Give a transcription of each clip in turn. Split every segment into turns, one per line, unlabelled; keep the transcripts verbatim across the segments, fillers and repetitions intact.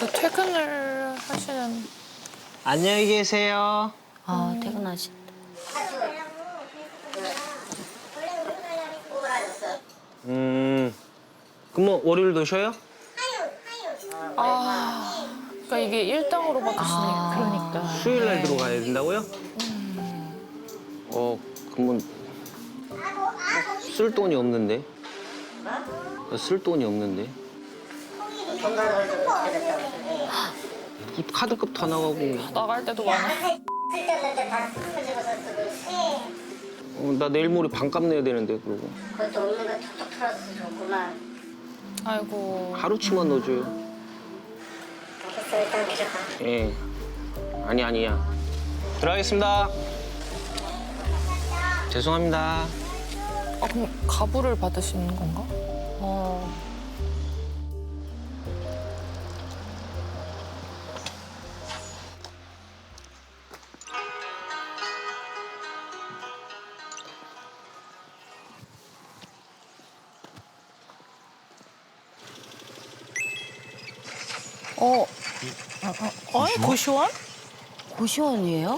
또 퇴근을 하시는.
안녕히 계세요.
아, 퇴근하신다.
음, 그럼 뭐 월요일도 쉬어요?
아, 그러니까 이게 일당으로 받으시니까.
그러니까.
수요일 날 들어가야 된다고요? 어, 그러면 쓸 돈이 없는데? 쓸 돈이 없는데? 카드값 다 나가고.
나갈 때도 많아.
어, 나 내일 모레 반값 내야 되는데 그러고.
그것도 없는 거 툭툭 털어서 좋구만.
아이고.
하루치만 넣어줘요.
알겠어, 일단 들어가.
예. 아니 아니야. 들어가겠습니다. 죄송합니다.
아, 그럼 가부를 받으시는 건가?
어.
어. 어, 어? 고시원?
고시원이에요?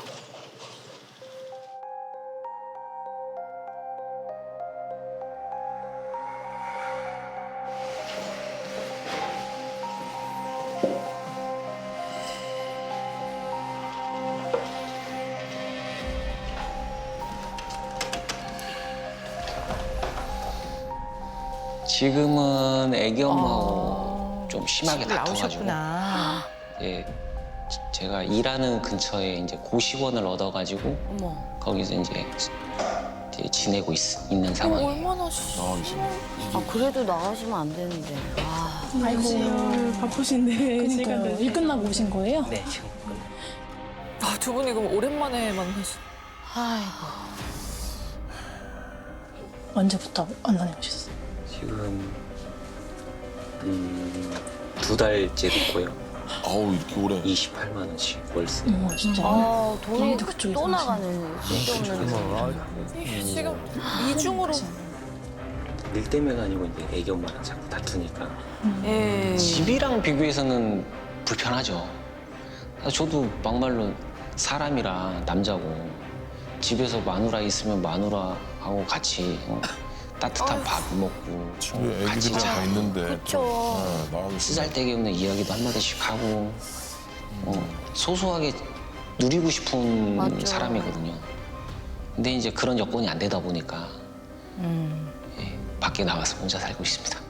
지금은 애기 엄마하고 좀 심하게 다퉈가지고
나오셨구나.
예, 제가 일하는 근처에 이제 고시원을 얻어가지고
어머.
거기서 이제, 이제 지내고 있, 있는 상황이에요.
얼마나 시...
아, 그래도 나가시면 안 되는데. 아.
아이고 바쁘신데 시간 일 끝나고 오신 거예요?
네, 지금.
아, 두 분이 그럼 오랜만에 만나신.
아이고.
언제부터 만나게 오셨어요?
지금 음, 두 달째 됐고요.
아우 이렇게 오래.
이십팔만 원씩 월세.
어머 진짜.
아, 돈이
아무도 그쪽에서
또
하시네.
나가는 쓸데없는.
지금 이중으로.
일 때문에가 아니고 이제 애기 엄마랑 자꾸 다투니까
예.
집이랑 비교해서는 불편하죠. 저도 막말로 사람이라 남자고 집에서 마누라 있으면 마누라하고 같이 어, 따뜻한 밥 먹고
집에
어, 같이
애기들이 다
자고
있는데.
그쵸.
네, 나가기 싫어.
쓰잘데기 없는 이야기도 한마디씩 하고 어, 소소하게 누리고 싶은
맞죠.
사람이거든요. 근데 이제 그런 여건이 안 되다 보니까
음.
예, 밖에 나가서 혼자 살고 있습니다.